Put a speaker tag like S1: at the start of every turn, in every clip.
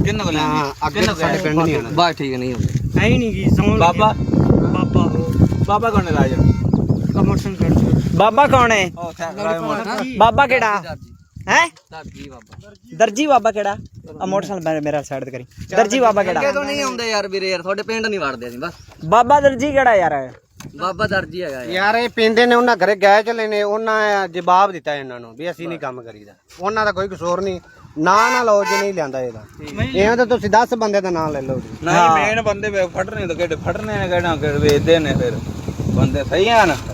S1: ਕਿੰਨੇ ਕੋਲ ਅੱਗੇ ਸਾਡੇ ਪਿੰਡ ਨਹੀਂ ਆਣਾ
S2: ਬਸ ਠੀਕ ਨਹੀਂ ਹੁੰਦੇ
S3: ਐ ਨਹੀਂ ਕੀ ਸਮਝ
S1: ਬਾਬਾ
S3: ਬਾਬਾ
S1: ਬਾਬਾ ਕੌਣ ਹੈ ਰਾਜਾ
S3: ਕਮਰ ਸਿੰਘ ਕਰ
S4: ਬਾਬਾ ਕੌਣ ਹੈ? ਬਾਬਾ ਕਿਹੜਾ ਹੈ?
S2: ਦਰਜੀ ਬਾਬਾ
S4: ਦਰਜੀ ਬਾਬਾ ਕਿਹੜਾ? ਆ ਮੋਟਰਸਾਈਕਲ ਮੇਰਾ ਸਾਈਡ ਤੇ ਕਰੀ। ਦਰਜੀ ਬਾਬਾ ਕਿਹੜਾ?
S2: ਤੋਂ ਨਹੀਂ ਆਉਂਦੇ ਯਾਰ ਵੀਰੇ ਯਾਰ ਤੁਹਾਡੇ ਪਿੰਡ ਨਹੀਂ ਵੜਦੇ ਅਸੀਂ ਬਸ।
S4: ਬਾਬਾ ਦਰਜੀ ਕਿਹੜਾ ਯਾਰ?
S2: ਬਾਬਾ ਦਰਜੀ ਹੈਗਾ
S5: ਯਾਰ ਇਹ ਪਿੰਦੇ ਨੇ ਉਹਨਾਂ ਘਰੇ ਗਏ ਚਲੇ ਨੇ ਉਹਨਾਂ ਜਵਾਬ ਦਿੱਤਾ ਇਹਨਾਂ ਨੂੰ ਵੀ ਅਸੀਂ ਨਹੀਂ ਕੰਮ ਕਰੀਦਾ। ਉਹਨਾਂ ਦਾ ਕੋਈ ਕਸੂਰ ਨਹੀਂ। ਨਾ ਲਓ ਜੇ ਨਹੀਂ ਲਿਆਂਦਾ ਇਹਦਾ ਇਹ ਤਾਂ ਤੁਸੀਂ 10 ਬੰਦੇ ਦਾ ਨਾਂ ਲੈ ਲਓ ਜੀ।
S1: ਨਹੀਂ ਮੇਨ ਬੰਦੇ ਵੇ ਫੜਨੇ ਤਾਂ ਕਿਹੜੇ ਫੜਨੇ ਨੇ ਕਿਹੜਾ ਵੇਚਦੇ ਨੇ ਫਿਰ ਬੰਦੇ ਸਹੀ ਆ ਨਾ।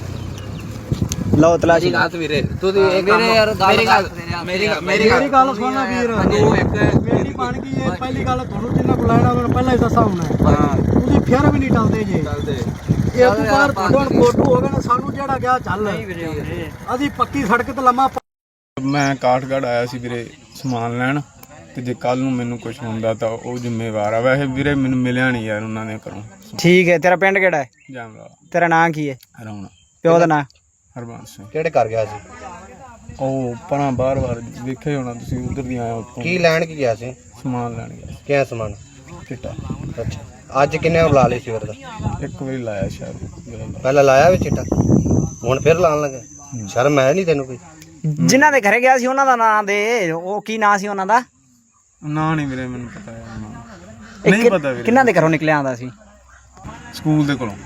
S4: ਲਓ ਤਲਾਸ਼ੀ
S1: ਗੱਲ ਵੀਰੇ ਤੁਸੀਂ
S2: ਵੀਰੇ ਯਾਰ
S1: ਮੇਰੀ
S3: ਗੱਲ ਸੁਣਨਾ ਵੀਰ ਮੇਰੀ ਬਣ ਗਈ ਹੈ। ਪਹਿਲੀ ਗੱਲ ਤੁਹਾਨੂੰ ਜਿੰਨਾ ਕੋਲ ਲੈਣਾ ਮੈਨੂੰ ਪਹਿਲਾਂ ਹੀ ਦੱਸਾ ਹੋਣਾ ਤੁਸੀਂ ਫਿਰ ਵੀ ਨਹੀਂ ਟਲਦੇ ਜੇ ਇਹ ਤੋਂ ਬਾਅਦ ਤੁਹਾਡਾ ਫੋਟੋ ਹੋ ਗਿਆ ਨਾ ਸਾਨੂੰ ਜਿਹੜਾ ਗਿਆ ਚੱਲ ਅਸੀਂ ਪੱਕੀ ਸੜਕ ਤੇ ਲੰਮਾ
S6: ਮੈਂ ਕਾਠਗੜ੍ਹ ਆਇਆ ਸੀ ਵੀਰੇ ਸਮਾਨ ਲੈਣ ਤੇ ਜੇ ਕੱਲ ਨੂੰ ਮੈਨੂੰ ਕੁਝ ਹੁੰਦਾ ਤਾਂ ਉਹ ਜ਼ਿੰਮੇਵਾਰ ਆ। ਵੈਸੇ ਵੀਰੇ ਮੈਨੂੰ ਮਿਲਿਆ ਨਹੀਂ ਯਾਰ ਉਹਨਾਂ ਨੇ ਘਰੋਂ।
S4: ਠੀਕ ਹੈ। ਤੇਰਾ ਪਿੰਡ ਕਿਹੜਾ ਹੈ?
S6: ਜਾਮਲਾ
S4: ਤੇਰਾ ਨਾਂ ਕੀ ਹੈ?
S6: ਹਰਾਉਣਾ
S4: ਪਿਓ ਦਾ ਨਾਂ?
S6: ਹਰਬੰਸ ਸਿੰਘ।
S5: ਕਿਹੜੇ ਕਰ ਗਿਆ ਸੀ?
S6: ਉਹ ਪਰਾਂ ਬਾਰ-ਬਾਰ ਵੇਖਿਆ ਹੋਣਾ ਤੁਸੀਂ ਉਧਰ ਦੀ ਆਇਆ ਉੱਥੋਂ
S5: ਕੀ ਲੈਣ ਕੀ ਗਿਆ ਸੀ?
S6: ਸਮਾਨ ਲੈਣ ਗਿਆ ਸੀ।
S5: ਕਿਆ ਸਮਾਨ?
S6: ਚਿੱਟਾ
S5: ਅੱਛਾ ਅੱਜ ਕਿੰਨੇ ਬੁਲਾ ਲਈ ਸੀ ਫਿਰ ਦਾ?
S6: ਇੱਕ ਵਾਰੀ ਲਾਇਆ ਸ਼ਾਇਦ ਗੱਲ।
S5: ਪਹਿਲਾਂ ਲਾਇਆ ਵੀ ਚਿੱਟਾ ਹੁਣ ਫਿਰ ਲਾਣ ਲੱਗੇ? ਸ਼ਰਮ ਹੈ ਨਹੀਂ ਤੈਨੂੰ ਕੋਈ?
S4: ਜਿਨ੍ਹਾਂ ਦੇ ਘਰੇ ਗਿਆ ਸੀ ਉਹਨਾਂ ਦਾ ਨਾਂ ਦੇ। ਉਹ ਕੀ ਨਾਂ ਸੀ ਉਹਨਾਂ ਦਾ?
S6: ਨਾ ਨਹੀਂ ਵੀਰੇ ਮੈਨੂੰ ਪਤਾ ਯਾਰ ਨਹੀਂ ਪਤਾ ਵੀਰੇ।
S4: ਕਿੰਨਾਂ ਦੇ ਘਰੋਂ ਨਿਕਲਿਆ ਆਂਦਾ ਸੀ?
S6: ਸਕੂਲ ਦੇ ਕੋਲੋਂ।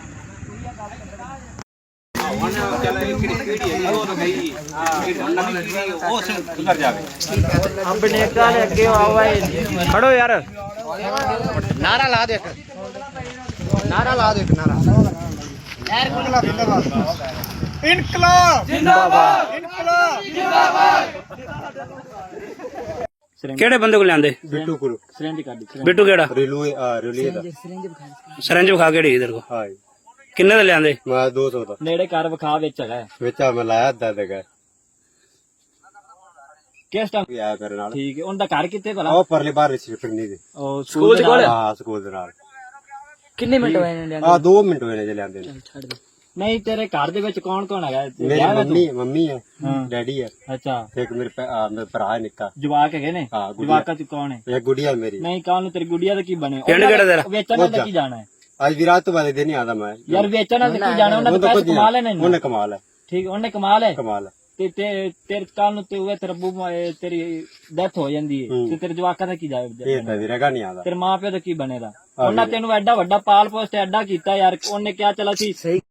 S4: ਆਪਣੇ ਘਰ ਅੱਗੇ ਆਓ ਭਾਈ ਖੜੋ ਯਾਰ।
S5: ਨਾਰਾ ਲਾ ਦੇ ਇੱਕ ਨਾਰਾ ਲਾ ਦੇ ਇੱਕ ਨਾਰਾ ਇਨਕਲਾਬ ਜਿੰਦਾਬਾਦ ਇਨਕਲਾਬ
S3: ਕਿਹੜੇ ਬੰਦੇ ਕੋਲ ਲਿਆਂਦੇ?
S5: ਬਿੱਟੂ ਗੁਰੂ
S3: ਬਿੱਟੂ ਕਿਹੜਾ?
S5: ਰੇਲੂਏ ਦਾ
S3: ਸਰੰਜ ਵਿਖਾ ਕਿਹੜੀ ਇਧਰ ਕੋ
S5: ਹਾਂ
S3: ਕਿੰਨੇ ਦੇ ਲਿਆਂਦੇ?
S5: ਮੈਂ 200 ਦਾ
S4: ਨੇੜੇ ਘਰ ਵਿਖਾ ਵਿੱਚ ਹੈਗਾ।
S5: ਵਿੱਚ ਮੈਂ ਲਾਇਆ ਅੱਧਾ ਦੇਗਾ
S4: ਕਿਸ ਟਾਈਮ?
S5: ਆਇਆ ਕਰਨ ਨਾਲ
S4: ਠੀਕ ਹੈ। ਉਹਦਾ ਘਰ ਕਿੱਥੇ ਭਲਾ?
S5: ਉਹ ਪਰਲੇ ਬਾਹਰ ਵਿੱਚ ਫਿਰਨੀ ਦੇ
S4: ਉਹ ਸਕੂਲ ਦੇ ਕੋਲ?
S5: ਹਾਂ ਸਕੂਲ ਦੇ ਨਾਲ।
S4: ਕਿੰਨੇ ਮਿੰਟ ਹੋਏ ਨੇ ਲਿਆਂਦੇ?
S5: 2 ਮਿੰਟ ਹੋਏ ਨੇ ਜੇ ਲਿਆਂਦੇ ਨੇ।
S4: ਛੱਡ ਦੇ। ਨਹੀਂ ਤੇਰੇ ਘਰ ਦੇ ਵਿੱਚ ਕੌਣ ਕੌਣ ਹੈਗਾ?
S5: ਮੇਰੀ ਮੰਮੀ ਹੈ ਡੈਡੀ ਹੈ
S4: ਅੱਛਾ।
S5: ਇੱਕ ਮੇਰੇ ਭਰਾ ਹੈ ਨਿੱਕਾ।
S4: ਜਵਾਕ ਹੈਗੇ ਨੇ?
S5: ਹਾਂ ਗੁੜੀਆ
S4: ਜਵਾਕਾਂ ਚ ਕੌਣ ਹੈ?
S5: ਇੱਕ ਗੁੜੀਆ ਮੇਰੀ।
S4: ਨਹੀਂ ਕੱਲ ਨੂੰ ਤੇਰੀ ਗੁੱਡੀਆ ਦਾ ਕੀ ਬਣੇ?
S3: ਪਿੰਡ ਕਿਹੜਾ ਤੇਰਾ?
S4: ਵੇਚਣ ਦਾ ਕੀ ਜਾਣਾ ਹੈ?
S5: ਅੱਜ ਵੀ ਰਾਤ ਤੋਂ ਬਾਅਦ ਦਿਨ ਹੀ ਆਦਾ ਮੈਂ
S4: ਯਾਰ ਵੇਚਣ ਦਾ ਕੀ ਜਾਣਾ? ਉਹਨਾਂ ਦੇ ਪੈਸੇ ਕਮਾ ਲੈਣੇ ਨੇ।
S5: ਉਹਨੇ ਕਮਾਲ ਹੈ।
S4: ਠੀਕ ਉਹਨੇ ਕਮਾਲ ਹੈ।
S5: ਕਮਾਲ ਹੈ।
S4: ਤੇ ਤੇਰੇ ਕੱਲ ਨੂੰ ਤੇ ਤੇਰਾ ਬੂਬਾ ਤੇਰੀ ਡੈਥ ਹੋ ਜਾਂਦੀ ਹੈ ਤੇ ਤੇਰੇ ਜਵਾਕਾਂ ਦਾ ਕੀ ਜਾਵੇ?
S5: ਇਹ ਤਾਂ ਵੀਰੇਗਾ ਨਹੀਂ ਆਦਾ।
S4: ਤੇਰੇ ਮਾਂ ਪਿਓ ਦਾ ਕੀ ਬਣੇਗਾ? ਉਹਨਾਂ ਤੈਨੂੰ ਐਡਾ ਵੱਡਾ ਪਾਲ ਪੋਸਟ ਐਡਾ ਕੀਤਾ ਯਾਰ। ਉਹਨੇ ਕਿਹਾ ਚਲ ਅਸੀਂ